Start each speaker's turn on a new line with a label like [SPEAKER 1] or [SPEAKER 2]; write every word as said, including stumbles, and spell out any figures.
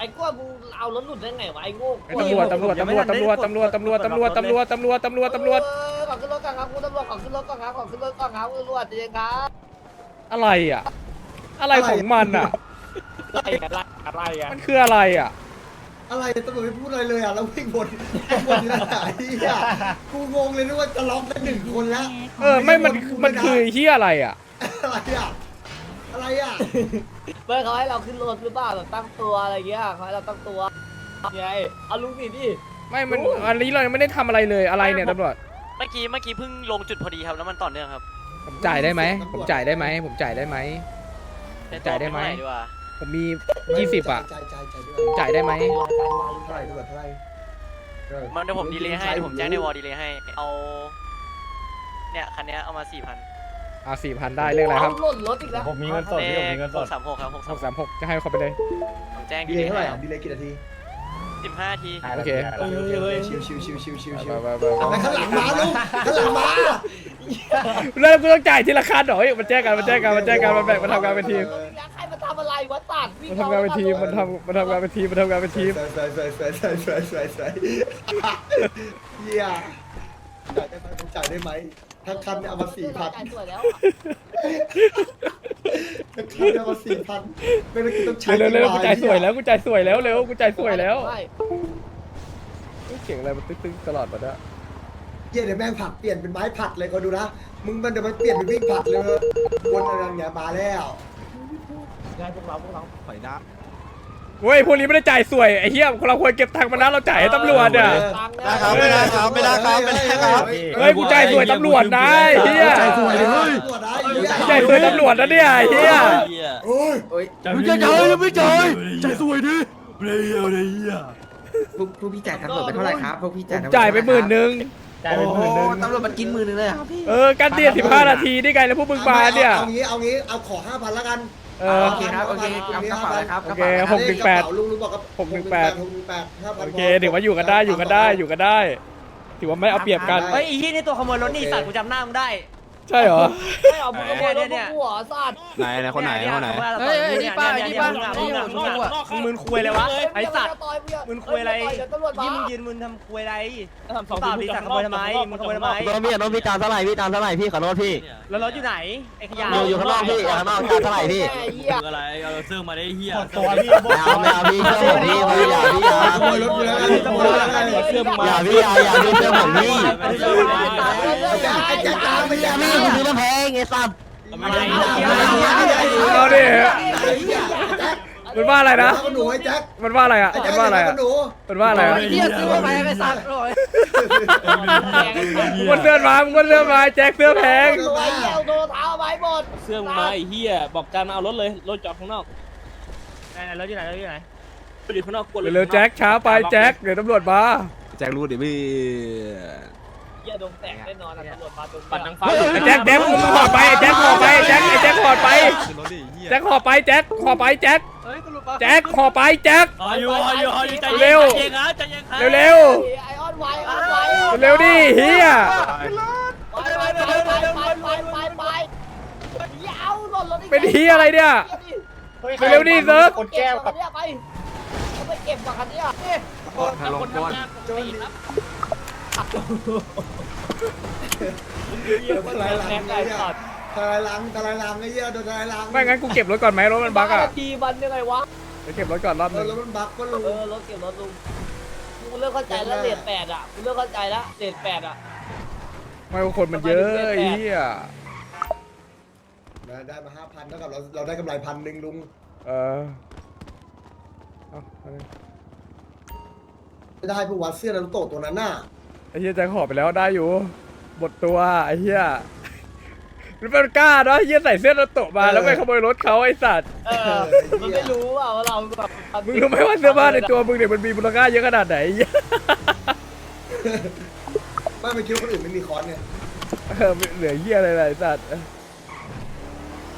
[SPEAKER 1] กลัวกูเอารถหลุดได้ไงวะไอ้โง่
[SPEAKER 2] ตำรวจตำรวจตำรวจตำรวจตำรวจตำรวจตำรวจตำรวจตำรวจตำรวจตำรวจ
[SPEAKER 1] ขอขึ้นรถก่อนครับคุณตำรวจขอขึ้นรถก่อนครับขอขึ้นรถก่อนครับคุณตำรวจจริงครับ
[SPEAKER 2] อะไรอ่ะอะไรของมันอ่ะ
[SPEAKER 1] อะไรอะไรอะไรอ่ะ
[SPEAKER 2] มันคืออะไรอ่ะ
[SPEAKER 3] อะไรตำรวจไม่พูดอะไรเลยอ่ะแล้ววิ่งวนวนที่ไหนอ่ะกูงงเลยนึกว่าจะล็อกได้หนึ่งคนแล้ว
[SPEAKER 2] เออไม่มันมันคือเฮียอะไรอ่ะ
[SPEAKER 3] อะไรอ่ะอะไรอ่ะ
[SPEAKER 1] เมื่อเขาให้เราขึ้นรถหรือเปล่าแบบตั้งตัวอะไรเงี้ยเขาให้เราตั้งตัวไงเอาลุงนี่ดิ
[SPEAKER 2] ไม่มันอันนี้เรายังไม่ได้ทำอะไรเลยอะไรเนี่ยตำรวจ
[SPEAKER 4] เมื่อกี้เมื่อกี้เพิ่งลงจุดพอดีครับแล้วมันต่อเนื่องครับ
[SPEAKER 2] ผมจ่ายได้ไหมผมจ่ายได้ไหมผมจ่ายได้ไหม จ่ายได้ไหม
[SPEAKER 4] ดีกว่า
[SPEAKER 2] ผมมียี่สิบอ่ะ
[SPEAKER 3] จ่ายจ่ายจ่าย
[SPEAKER 2] ผมจ่ายได้ไหม
[SPEAKER 3] เท่าไหร่ตำรวจเท่าไหร่เออ
[SPEAKER 4] มันเดี๋ยวผมดีเลย์ให้เดี๋ยวผมแจ้งในวอลดีเลย์ให้เอาเนี่ยคันเนี้ยเอามาสี่พัน
[SPEAKER 2] อ่าสี่พันได้เรื่องอะไรครับ
[SPEAKER 1] หล่นรถอีกแล้ว
[SPEAKER 5] ผมมีเงินสดพี่ผมมีเงินส
[SPEAKER 4] ห
[SPEAKER 5] ด
[SPEAKER 4] กสามหกครับหก
[SPEAKER 2] ห
[SPEAKER 4] สาม
[SPEAKER 2] กสามหกจะให้เขาไปเลย
[SPEAKER 4] ผมแจ้ง
[SPEAKER 3] ดี
[SPEAKER 4] ดี
[SPEAKER 3] เล
[SPEAKER 4] เลย
[SPEAKER 3] ย์
[SPEAKER 4] ย์
[SPEAKER 3] เท่าไหร่อ่ะดีเลยกี่นาที
[SPEAKER 4] สิบห้าที
[SPEAKER 2] โอเค
[SPEAKER 3] โอเคโอเคโอเคชิวชิวชิวชิวชิวชิว
[SPEAKER 2] ไปไปไป
[SPEAKER 3] ไปข้างหลังมาลูกข้างหลังมา
[SPEAKER 2] แล้วกูต้องจ่ายทีละคันเหรอเฮ้ยมันแจ้งกันมันแจ้งกันมันแจ้งกันมันแบ่งมันทำงานเป็นทีม
[SPEAKER 1] ใครมาทำอะไรวะตัด
[SPEAKER 2] มันทำงานเป็นทีมมันทำมันทำงานเป็นทีมมันทำงานเป็นทีม
[SPEAKER 3] ใส่ใส่ใส่ใส่ใส่ใส่ใส่ใส่เฮียจ่ายได้ไหมผมจ่ายได้ไหมทั้งคันเนี่ยเอามาสี่พัน
[SPEAKER 1] จ่ายสวยแล้ว
[SPEAKER 3] ทั้งคันเนี่ยเอามาสี่พันไม่ต้องต้องใช้
[SPEAKER 2] เร็วเร็วเร็วกูจ่ายสวยแล้วกูจ่ายสวยแล้วเร็วกูจ่ายสวยแล้วเสียงอะไรมันตึ้งๆตลอดมาเนี่ย
[SPEAKER 3] เฮียเดี๋ยวแม่งผักเปลี่ยนเป็นไม้ผัดเลยก็ดูนะมึงมันเดี๋ยวมันเปลี่ยนเป็นวิ่งผัดเลยวนอะไรอย่างเงี้ยมาแล้ว
[SPEAKER 1] ได้พวกเราพวกเรา
[SPEAKER 5] ถอยหน้า
[SPEAKER 2] เว้ยพวกนี้ไม่ได้จ่ายสวยไอ้เหี้ยเราควรเก็บตังค์มานะเราจ่ายให้ตำรวจอ่ะ
[SPEAKER 5] ได้ครับไม่ได้ครับไม่ได้ครับไม่ได้ครับ
[SPEAKER 2] เฮ้ยกูจ่ายสวยตำรวจนะไอ้เหี้ย
[SPEAKER 3] ใจสวยเลยเฮ้ยตัวได้
[SPEAKER 2] จ่ายสวยตำรวจนะเนี่ยไอ้เหี้ย
[SPEAKER 3] โอ้ย
[SPEAKER 5] ไม่จ่ายยังไม่จ่ายจ่ายสวยดิเรียวเลยอ่ะ
[SPEAKER 6] พวกพวกพี่จ่ายตำรวจไปเท่าไหร่ครับพวกพี่
[SPEAKER 2] ผ
[SPEAKER 6] จ่าย
[SPEAKER 2] มจ่ายไปหมื่นหนึ่ง
[SPEAKER 1] จ่ายไปหมื่นนึง
[SPEAKER 6] ตำรวจมันกินหมื่นหนึงเลยครับพี่
[SPEAKER 2] เออกันเดียสิบห้านาทีนี่ไงแล้วพวกมึงมาเนี่ย
[SPEAKER 3] เอางี้เอางี้เอาขอห้าพันละกัน
[SPEAKER 2] เออ
[SPEAKER 6] โอเคครับโอเคกำกระเป๋าเลยครับ
[SPEAKER 2] โอเคหกหนึ่งแปด
[SPEAKER 3] ลุงลุงบอกกับ
[SPEAKER 2] หกหนึ่งแปด
[SPEAKER 3] หกหนึ่งแปดห้าพัน
[SPEAKER 2] โอเคถือว่าอยู่กันได้อยู่กันได้อยู่กันได้ ถือว่าไม่เอาเปรียบกัน
[SPEAKER 4] เฮ้ยอีที่นี่ตัวขโมยรถนี่สัตว์กูจำหน้ามึงได้
[SPEAKER 2] ใช่เหรอ
[SPEAKER 1] ไม่เอามึงขโมยรถพวกกูเหรอสัตว์
[SPEAKER 5] ไหนไหนคนไหนคนไหน
[SPEAKER 4] เฮ้ยนี่ป้านี่ป้ามึงอ่ะมึงอ่ะมึงมึนคุยเลยวะไอสัตว์มึนคุยอะไร
[SPEAKER 1] เดี๋ยวตำรวจมา
[SPEAKER 4] ยี่มึงยืนมึนทำคุยอะไรทำเปล่าดิสัตว์ขโมยทำไมมึงขโมยทำไม
[SPEAKER 5] โดนพี่โดนพี่ตามเท่าไหร่พี่ตามเท่าไหร่พี่ขอโทษพี่
[SPEAKER 4] แล้วรถอยู่ไหนไอ้ขยะ
[SPEAKER 5] อยู่อยู่ข้างนอกพี่ข้างนอกตามเท่าไหร่พี่
[SPEAKER 1] ไอ้เหี้ย
[SPEAKER 7] อะไรเอาเสื้อมาได้เฮีย
[SPEAKER 5] ตัวพี่ไม่เอาไม่เอาพี่เชื่อผมพี่อย่าพี่อย่า
[SPEAKER 3] ขโมยรถกูแล้วขโมยรถแล้ว
[SPEAKER 1] เสื้อมึงมา
[SPEAKER 5] อย่าพี่อย่าอย่าพี่เชื่อผมพี่
[SPEAKER 3] ไอ้แจ๊คตามไปแจ๊ค
[SPEAKER 5] พี่คุณซื้อมาแพงไอ้สัตว์
[SPEAKER 2] เอาดิมันว่าอะไรนะ
[SPEAKER 3] หนูไอ้แจ๊ค
[SPEAKER 2] มันว่าอะไรอ่ะ
[SPEAKER 3] ไอ้แจ๊
[SPEAKER 2] มั
[SPEAKER 3] คน
[SPEAKER 2] ว่าอะไรอ่ะ
[SPEAKER 3] หนู
[SPEAKER 2] มันว่าอะไรอ่ะ
[SPEAKER 6] เฮียซื้อมาไปไอ้สัตว์โอ้ย
[SPEAKER 2] มึงก็เสื้อมามึงก็เสื้อมาแจ็คเสื้อแพง
[SPEAKER 1] รวยเหี้ยเอาโดนเท้าไม้หมด
[SPEAKER 7] เสื้อมึงมาไอ้เฮียบอกการมาเอารถเลยรถจอดข้างนอก
[SPEAKER 4] ไหนรถอยู่ไหนรถอยู่ไหน
[SPEAKER 7] ไปอยู่ข้างนอกกด
[SPEAKER 2] เร็วๆแจ็คช้าไปแจ็คเดี๋ยวตำรวจมา
[SPEAKER 5] แจ็ครู้ดิพี่
[SPEAKER 1] เหี้ยโดนแตกแน่นอนอะตำรวจมาตรง
[SPEAKER 7] ปัดนางฟ้า
[SPEAKER 2] ไอ้แจ็คแจ็คมึงห่อไปไอ้แจ็คห่อไปไอ้แจ็คไอ้แจ็คห่อไปแจ็คห่อไปแจ็คห่อไปแจ็คแจ็คห่อไปแจ็ค
[SPEAKER 7] อายุอายุอายุใจ
[SPEAKER 2] เร็
[SPEAKER 7] เย็
[SPEAKER 2] ว
[SPEAKER 7] นใจเย็นครับใจเย็นครับ
[SPEAKER 2] เร็ว
[SPEAKER 1] ไอออนไวออนไว
[SPEAKER 2] ๆเร็วดิเฮีย
[SPEAKER 1] ไปไปไปไปไปไปไปไปอย่าเอาหล่นรถ
[SPEAKER 2] เป็นเฮียอะไรเนี่ยเร็วๆดิเซิร์ฟ
[SPEAKER 1] คนแก้วกับเนี่ยไปเขาไปเก็บกับคันเนี้ยนี่
[SPEAKER 7] คนคนทำงานโจรครับ
[SPEAKER 3] ทลายหลังไอ้เนี่ยทลายหลังทลายหลังไอ้เหี้ยโดนทลายหลัง
[SPEAKER 2] ไม่งั้นกูเก็บรถก่อนไหมรถมันบั๊กอ่ะ
[SPEAKER 1] ทีมันยังไงวะ
[SPEAKER 2] เดี๋ยวเก็บรถก่อนรอบ
[SPEAKER 3] เอ
[SPEAKER 2] นึ
[SPEAKER 3] อง แล้วมันบักก็ลุง
[SPEAKER 1] เออรถเก็บรถลุงกูเริ่มเข้าใจแล้วเลทแปดอ่ะกูเริ่มเข้าใจแล้วเลทแปดอ่ะ
[SPEAKER 2] ไม่ว่าคนมันเยอะไอ้เหี้ย
[SPEAKER 3] ได้มาห้าพันเท่ากับเราเราได้กำไรพันหนึ่งลุง
[SPEAKER 2] เออเอาเอาเลย
[SPEAKER 3] ไม่ได้ผู้วัดเสื้อนารูโตะตัวนั้นน่ะ
[SPEAKER 2] ไอ้เหี้ยแจ็คห่อไปแล้วได้อยู่หมดตัวไอ้เหี้ยมันเป็นกล้าเนาะไอ้เหี้ยใส่เสื้อนารูโตะมาแล้วไปขโมยรถเขาไอ้สัตว์
[SPEAKER 1] เออมันไม่รู้อ่ะว่าเราแบบ
[SPEAKER 2] มึงรู้ไหมว่าเสื้อผ้าในตัวมึงเนี่ยมันมีมูลค่าเยอะขนาดไหนไอ้เหี้ย
[SPEAKER 3] ไม่ไปคิดว่าคนอื่นไม่มีคอนเนี่ย
[SPEAKER 2] เออเหลือเหี้ยอะไรๆไอ้สัตว์